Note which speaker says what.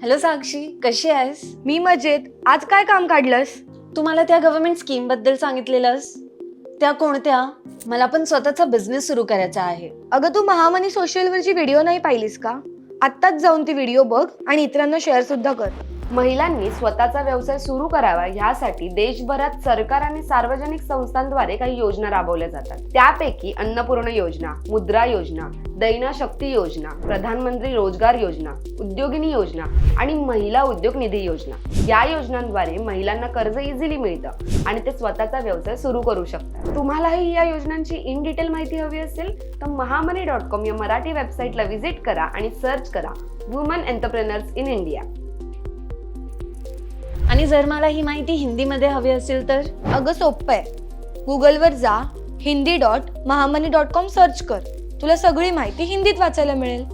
Speaker 1: Hello साक्षी, कशी आहेस?
Speaker 2: मी मजेत. आज काय काम काढलंस?
Speaker 1: तुम्हाला त्या गव्हर्नमेंट स्कीम बद्दल सांगितलेलंस त्या कोणत्या? मला पण स्वतःचा बिझनेस सुरू करायचा आहे.
Speaker 2: अगं, तू महामनी सोशलवरची व्हिडिओ नाही पाहिलीस का? आत्ताच जाऊन ती व्हिडिओ बघ आणि इतरांना शेअर सुद्धा कर.
Speaker 3: महिलांनी स्वतःचा व्यवसाय सुरू करावा यासाठी देशभरात सरकार आणि सार्वजनिक संस्थांद्वारे काही योजना राबवल्या जातात. त्यापैकी अन्नपूर्णा योजना, मुद्रा योजना, दैना शक्ती योजना, प्रधानमंत्री रोजगार योजना, उद्योगिनी योजना आणि महिला उद्योग निधी योजना या योजनांद्वारे महिलांना कर्ज इझिली मिळतं आणि ते स्वतःचा व्यवसाय सुरू करू शकतात. तुम्हालाही या योजनांची इन डिटेल माहिती हवी असेल तर महामनी.com या मराठी वेबसाईटला व्हिजिट करा आणि सर्च करा वुमन एंटरप्रेनर्स इन इंडिया.
Speaker 1: आणि जर मला ही माहिती हिंदीमध्ये हवी असेल तर?
Speaker 2: अगं, सोपं आहे. गुगलवर जा, hindi.mahamani.com सर्च कर. तुला सगळी माहिती हिंदीत वाचायला मिळेल.